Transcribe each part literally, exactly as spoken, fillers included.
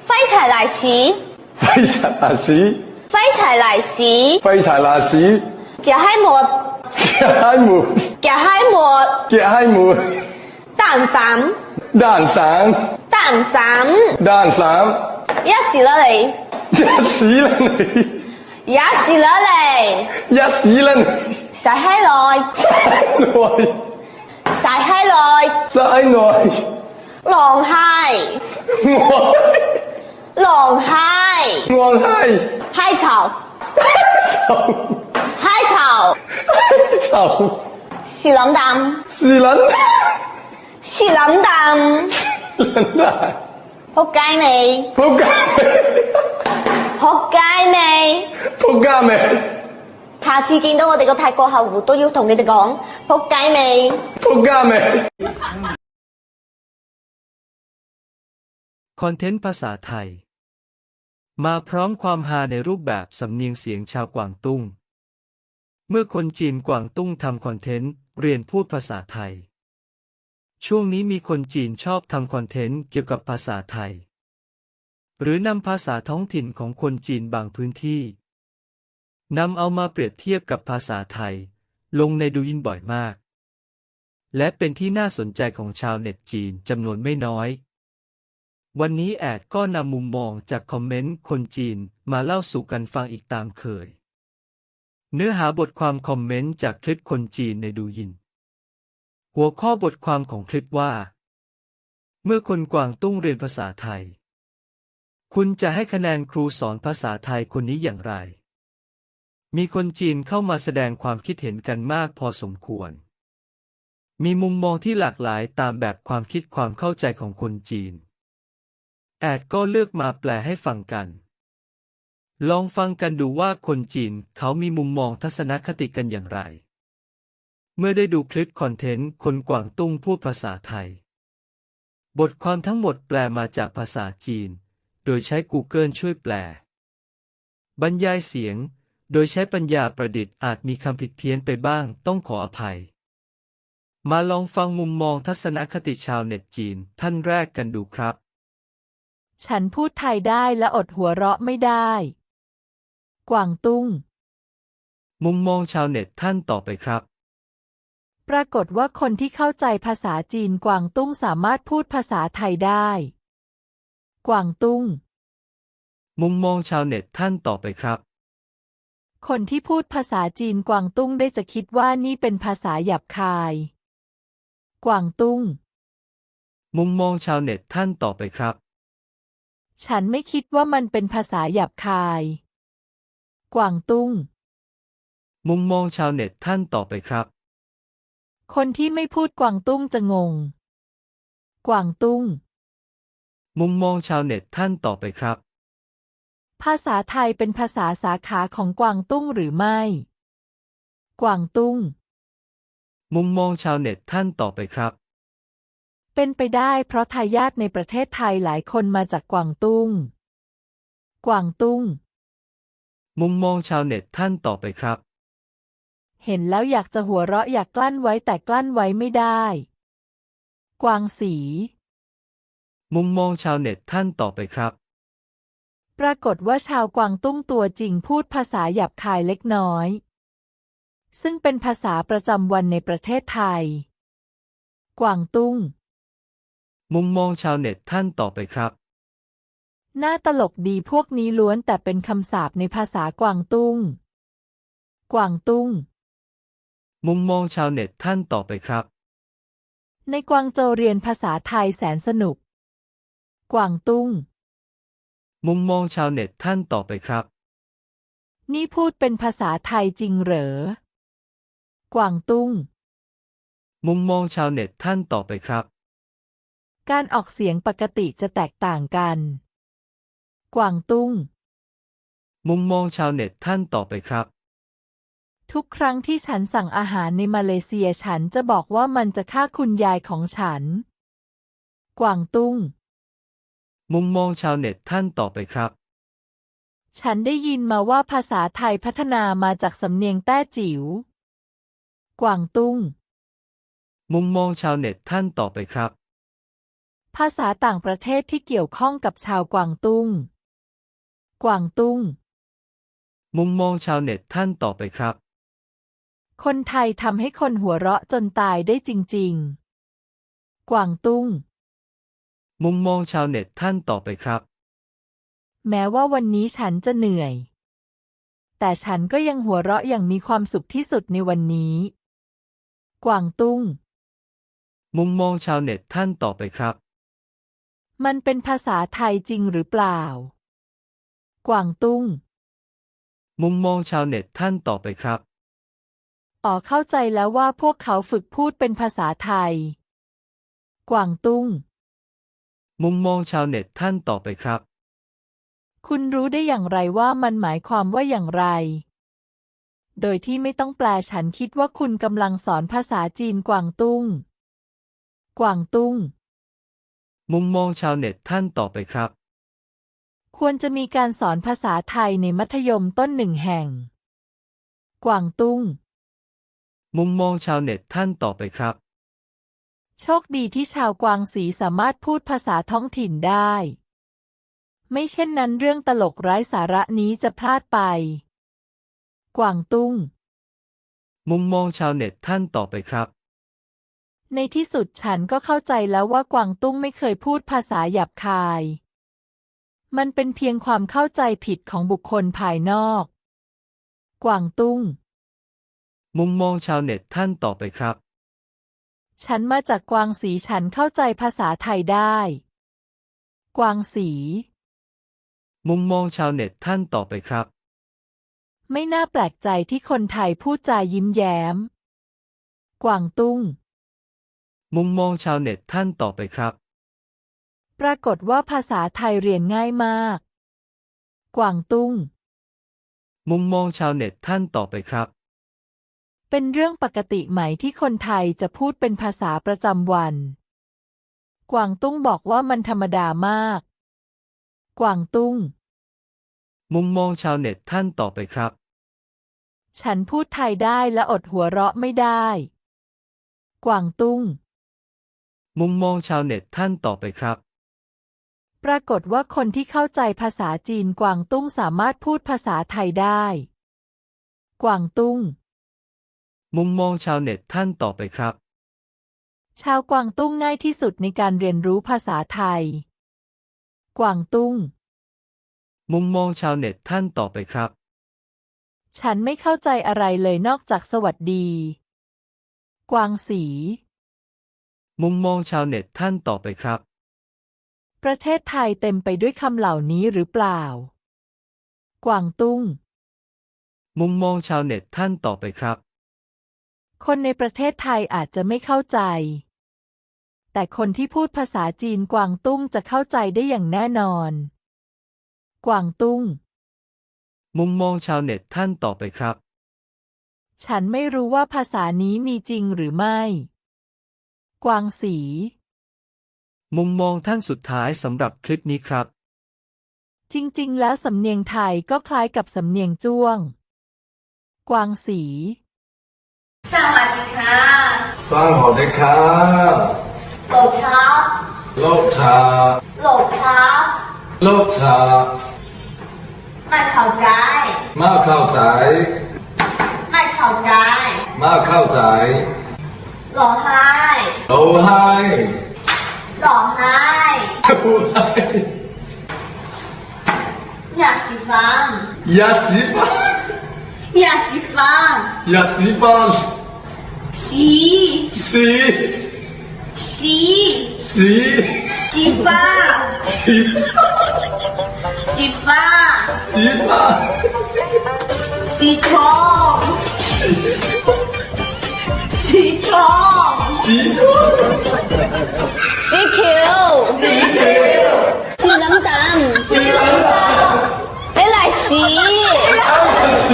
飞柴來時， 廢柴辣屎， 飛柴來時， 廢柴辣屎， 夾海沫， 夾海沫， 夾海沫， 夾海沫， 蛋散， 蛋散， 蛋散， 蛋散， 一時啦你， 一屎啦你， 一時啦你， 一屎啦你， 曬開來， 內， 曬開來， 曬內， 狼係， 我， 狼係， 我係， 海草， 臭， 海草， 臭， 是冷淡， 是撚， 是冷淡， 撚大， 仆街你， 仆街仆街你。 仆街未？ 下次見到我哋個泰國客戶都要同你哋講仆街未？ 仆街未？ คอนเทนต์ภาษาไทยมาพร้อมความฮาในรูปแบบสำเนียงเสียงชาวกวางตุ้งเมื่อคนจีนกวางตุ้งทำคอนเทนต์เรียนพูดภาษาไทยช่วงนี้มีคนจีนชอบทำคอนเทนต์เกี่ยวกับภาษาไทยหรือนำภาษาท้องถิ่นของคนจีนบางพื้นที่นำเอามาเปรียบเทียบกับภาษาไทยลงในดูยินบ่อยมากและเป็นที่น่าสนใจของชาวเน็ตจีนจำนวนไม่น้อยวันนี้แอดก็นำมุมมองจากคอมเมนต์คนจีนมาเล่าสู่กันฟังอีกตามเคยเนื้อหาบทความคอมเมนต์จากคลิปคนจีนในดูยินหัวข้อบทความของคลิปว่าเมื่อคนกวางตุ้งเรียนภาษาไทยคุณจะให้คะแนนครูสอนภาษาไทยคนนี้อย่างไรมีคนจีนเข้ามาแสดงความคิดเห็นกันมากพอสมควรมีมุมมองที่หลากหลายตามแบบความคิดความเข้าใจของคนจีนแอดก็เลือกมาแปลให้ฟังกันลองฟังกันดูว่าคนจีนเขามีมุมมองทัศนคติกันอย่างไรเมื่อได้ดูคลิปคอนเทนต์คนกวางตุ้งพูดภาษาไทยบทความทั้งหมดแปลมาจากภาษาจีนโดยใช้ Google ช่วยแปลบรรยายเสียงโดยใช้ปัญญาประดิษฐ์อาจมีคำผิดเพี้ยนไปบ้างต้องขออภัยมาลองฟังมุมมองทัศนคติชาวเน็ตจีนท่านแรกกันดูครับฉันพูดไทยได้และอดหัวเราะไม่ได้กวางตุ้งมุมมองชาวเน็ตท่านต่อไปครับปรากฏว่าคนที่เข้าใจภาษาจีนกวางตุ้งสามารถพูดภาษาไทยได้กวางตุ้งมุมมองชาวเน็ตท่านต่อไปครับคนที่พูดภาษาจีนกวางตุ้งได้จะคิดว่านี่เป็นภาษาหยาบคายกวางตุ้งมุมมองชาวเน็ตท่านต่อไปครับฉันไม่คิดว่ามันเป็นภาษาหยาบคายกวางตุ้งมุมมองชาวเน็ตท่านต่อไปครับคนที่ไม่พูดกวางตุ้งจะงงกวางตุ้งมุมมองชาวเน็ตท่านต่อไปครับภาษาไทยเป็นภาษาสาขาของกวางตุ้งหรือไม่กวางตุ้งมุมมองชาวเน็ตท่านต่อไปครับเป็นไปได้เพราะทายาทในประเทศไทยหลายคนมาจากกวางตุ้งกวางตุ้งมุมมองชาวเน็ตท่านต่อไปครับเห็นแล้วอยากจะหัวเราะอยากกลั้นไว้แต่กลั้นไว้ไม่ได้กวางสีมุมมองชาวเน็ตท่านต่อไปครับปรากฏว่าชาวกวางตุ้งตัวจริงพูดภาษาหยาบคายเล็กน้อยซึ่งเป็นภาษาประจำวันในประเทศไทยกวางตุ้งมุมมองชาวเน็ตท่านต่อไปครับน่าตลกดีพวกนี้ล้วนแต่เป็นคำสาปในภาษากวางตุ้งกวางตุ้งมุมมองชาวเน็ตท่านต่อไปครับในกวางโจวเรียนภาษาไทยแสนสนุกกวางตุ้งมุมมองชาวเน็ตท่านต่อไปครับนี่พูดเป็นภาษาไทยจริงเหรอกวางตุ้งมุมมองชาวเน็ตท่านต่อไปครับการออกเสียงปกติจะแตกต่างกันกวางตุ้งมุมมองชาวเน็ตท่านต่อไปครับทุกครั้งที่ฉันสั่งอาหารในมาเลเซียฉันจะบอกว่ามันจะฆ่าคุณยายของฉันกวางตุ้งมุมมองชาวเน็ตท่านต่อไปครับฉันได้ยินมาว่าภาษาไทยพัฒนามาจากสำเนียงแต้จิ๋วกวางตุ้งมุมมองชาวเน็ตท่านต่อไปครับภาษาต่างประเทศที่เกี่ยวข้องกับชาวกวางตุ้ง กวางตุ้งมุมมองชาวเน็ตท่านต่อไปครับคนไทยทำให้คนหัวเราะจนตายได้จริงๆ กวางตุ้งมุมมองชาวเน็ตท่านต่อไปครับแม้ว่าวันนี้ฉันจะเหนื่อย แต่ฉันก็ยังหัวเราะอย่างมีความสุขที่สุดในวันนี้ กวางตุ้งมุมมองชาวเน็ตท่านต่อไปครับมันเป็นภาษาไทยจริงหรือเปล่า กวางตุ้งมุมมองชาวเน็ตท่านต่อไปครับอ๋อเข้าใจแล้วว่าพวกเขาฝึกพูดเป็นภาษาไทย กวางตุ้งมุมมองชาวเน็ตท่านต่อไปครับคุณรู้ได้อย่างไรว่ามันหมายความว่าอย่างไร โดยที่ไม่ต้องแปลฉันคิดว่าคุณกำลังสอนภาษาจีนกวางตุ้ง กวางตุ้งมุมมองชาวเน็ตท่านต่อไปครับควรจะมีการสอนภาษาไทยในมัธยมต้นหนึ่งแห่ง กวางตุ้งมุมมองชาวเน็ตท่านต่อไปครับโชคดีที่ชาวกวางสีสามารถพูดภาษาท้องถิ่นได้ ไม่เช่นนั้นเรื่องตลกไร้สาระนี้จะพลาดไป กวางตุ้งมุมมองชาวเน็ตท่านต่อไปครับในที่สุดฉันก็เข้าใจแล้วว่ากวางตุ้งไม่เคยพูดภาษาหยาบคาย มันเป็นเพียงความเข้าใจผิดของบุคคลภายนอก กวางตุ้งมุมมองชาวเน็ตท่านต่อไปครับฉันมาจากกวางสีฉันเข้าใจภาษาไทยได้ กวางสีมุมมองชาวเน็ตท่านต่อไปครับไม่น่าแปลกใจที่คนไทยพูดจายิ้มแย้ม กวางตุ้งมุมมองชาวเน็ตท่านต่อไปครับปรากฏว่าภาษาไทยเรียนง่ายมาก กวางตุ้งมุมมองชาวเน็ตท่านต่อไปครับเป็นเรื่องปกติไหมที่คนไทยจะพูดเป็นภาษาประจำวัน กวางตุ้งบอกว่ามันธรรมดามาก กวางตุ้งมุมมองชาวเน็ตท่านต่อไปครับฉันพูดไทยได้และอดหัวเราะไม่ได้ กวางตุ้งมุมมองชาวเน็ตท่านต่อไปครับปรากฏว่าคนที่เข้าใจภาษาจีนกวางตุ้งสามารถพูดภาษาไทยได้ กวางตุ้งมุมมองชาวเน็ตท่านต่อไปครับชาวกวางตุ้งง่ายที่สุดในการเรียนรู้ภาษาไทย กวางตุ้งมุมมองชาวเน็ตท่านต่อไปครับฉันไม่เข้าใจอะไรเลยนอกจากสวัสดี กวางสีมุมมองชาวเน็ตท่านต่อไปครับประเทศไทยเต็มไปด้วยคำเหล่านี้หรือเปล่า กวางตุ้งมุมมองชาวเน็ตท่านต่อไปครับคนในประเทศไทยอาจจะไม่เข้าใจ แต่คนที่พูดภาษาจีนกวางตุ้งจะเข้าใจได้อย่างแน่นอน กวางตุ้งมุมมองชาวเน็ตท่านต่อไปครับฉันไม่รู้ว่าภาษานี้มีจริงหรือไม่ กวางสีมุมมองท่านสุดท้ายสำหรับคลิปนี้ครับจริงๆแล้วสำเนียงไทยก็คล้ายกับสำเนียงจ้วง กวางสีสวัสดีค่ะสวัสดีครับโหลชาโลชาโหลชาโลชาไม่เข้าใจมาเข้าใจไม่เข้าใจมาเข้าใจหล่อไห้โลไฮหล่อไห้โลไฮอยากสีฟันยาสีฟันอยากสีฟันยาสีฟันสีสีสีสีสีฟ้าสีสีฟ้าสีฟ้าสีทองสีทองสีทองสีเขียวสีเขียวสีน้ำตาลสีน้ำตาล你来洗。 สี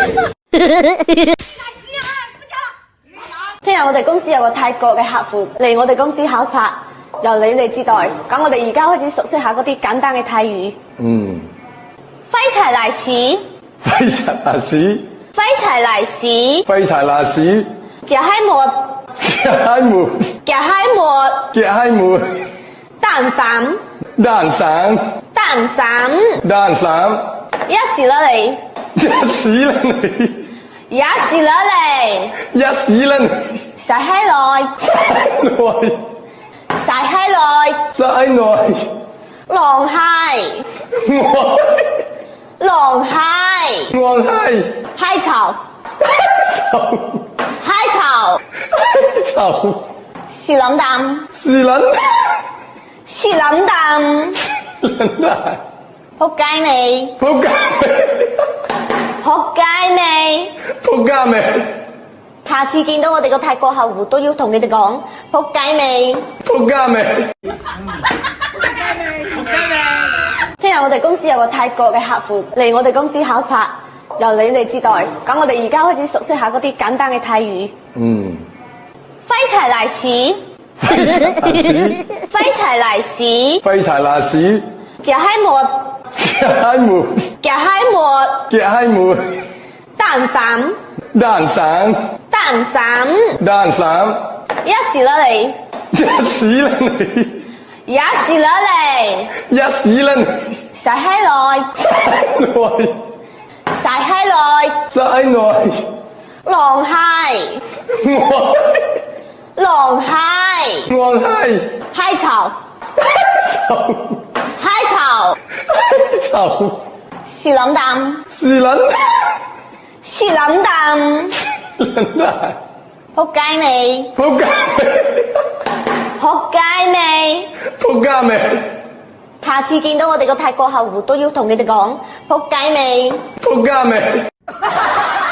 聽日我哋公司有個泰國嘅客戶嚟我哋公司考察，由你哋接待。咁我哋而家開始熟悉下嗰啲簡單嘅泰語。 嗯， 飛柴嚟洗， 廢柴辣屎， 飛柴嚟洗， 廢柴辣屎， 夾閪沫， 夾閪門， 夾閪沫， 夾閪門， 大蛋散， 蛋散， 蛋散， 蛋散， 吔屎啦你， 吔屎啦你， 吔屎啦你， 吔屎啦你， 晒閪耐， 內， 晒閪耐， 齋內， 狼閪， 我， 狼閪， 我係， 閪巢， 臭， 閪巢， 臭， 屎撚蛋， 是撚， 屎撚蛋， 撚蛋， 仆街你， 仆街仆街你。 仆街味， 下次見到我哋個泰國客戶都要同你哋講，仆街未？ 仆街味， 聽日我哋公司有個泰國嘅客戶嚟我哋公司考察，由你哋接待。咁我哋而家開始熟悉下嗰啲簡單嘅泰語。 嗯， 飛柴嚟屎， 廢柴辣屎， 飛柴嚟屎， 廢柴辣屎， 夾閪末， 夾閪門， 夾閪末， 夾閪門， 蛋散， 蛋散， 蛋散， 蛋散， 吔屎啦你， 吔屎啦你， 吔屎啦你， 吔屎啦你， 晒閪耐， 內， 晒閪耐， 齋內， 狼閪， 我， 狼閪， 我係， 閪巢， 臭， 閪巢， 臭， 屎撚蛋， 是撚， 屎撚蛋， 撚蛋， 仆街你， 仆街仆街你。 仆街味， 下次見到我哋個泰國客戶都要同你哋講，仆街未？ 仆街味。